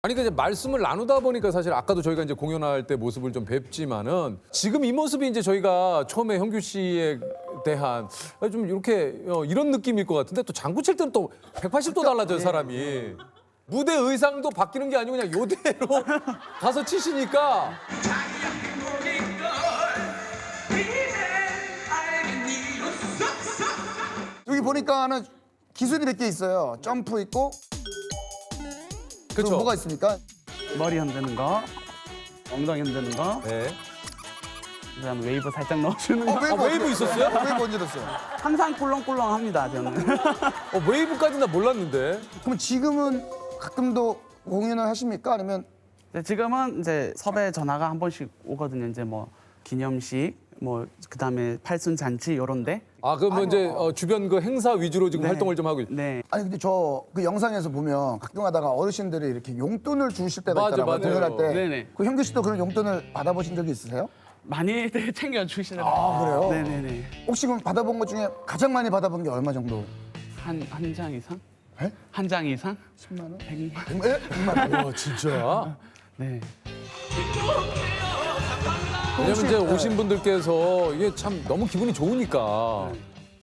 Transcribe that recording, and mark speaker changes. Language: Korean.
Speaker 1: 아니 그냥 말씀을 나누다 보니까 사실 아까도 저희가 이제 공연할 때 모습을 좀 뵙지만은 지금 이 모습이 이제 저희가 처음에 형규 씨에 대한 좀 이렇게 이런 느낌일 것 같은데 또 장구 칠 때는 또 180도 달라져요 사람이. 무대 의상도 바뀌는 게 아니고 그냥 요대로 가서 치시니까
Speaker 2: 여기 보니까는 기술이 몇 개 있어요. 점프 있고. 그리고
Speaker 1: 그쵸?
Speaker 2: 뭐가 있습니까?
Speaker 3: 머리 흔드는 거, 엉덩이 흔드는 거,
Speaker 1: 네.
Speaker 3: 그다음 웨이브 살짝 넣어주는 거.
Speaker 1: 웨이브 있었어요?
Speaker 2: 웨이브 언제 넣었어요?
Speaker 3: 항상 꿀렁꿀렁합니다 저는.
Speaker 1: 웨이브까지는 나 몰랐는데.
Speaker 2: 그럼 지금은 가끔도 공연을 하십니까? 아니면
Speaker 3: 네, 지금은 이제 섭외 전화가 한 번씩 오거든요. 이제 뭐 기념식, 뭐 그다음에 팔순 잔치 요런데.
Speaker 1: 아 그럼 이제 주변 그 행사 위주로 지금
Speaker 3: 네.
Speaker 1: 활동을 좀 하고 있.
Speaker 3: 네.
Speaker 2: 아니 근데 저 그 영상에서 보면 가끔 하다가 어르신들이 이렇게 용돈을 주실 때가
Speaker 1: 맞아,
Speaker 2: 있더라고요.
Speaker 1: 맞아요.
Speaker 2: 공연할 때.
Speaker 3: 네네.
Speaker 2: 그 형규 씨도 그런 용돈을 받아보신 적이 있으세요?
Speaker 3: 많이 챙겨 주시더라고요.
Speaker 2: 아 그래요?
Speaker 3: 네네네.
Speaker 2: 혹시 그럼 받아본 것 중에 가장 많이 받아본 게 얼마 정도?
Speaker 3: 한 장 이상?
Speaker 2: 에?
Speaker 3: 한 장 이상?
Speaker 2: 10만 원?
Speaker 3: 100만.
Speaker 2: 에? 100만 원?
Speaker 1: 와 진짜?
Speaker 3: 네.
Speaker 1: 왜냐면 이제 오신 분들께서 이게 참 너무 기분이 좋으니까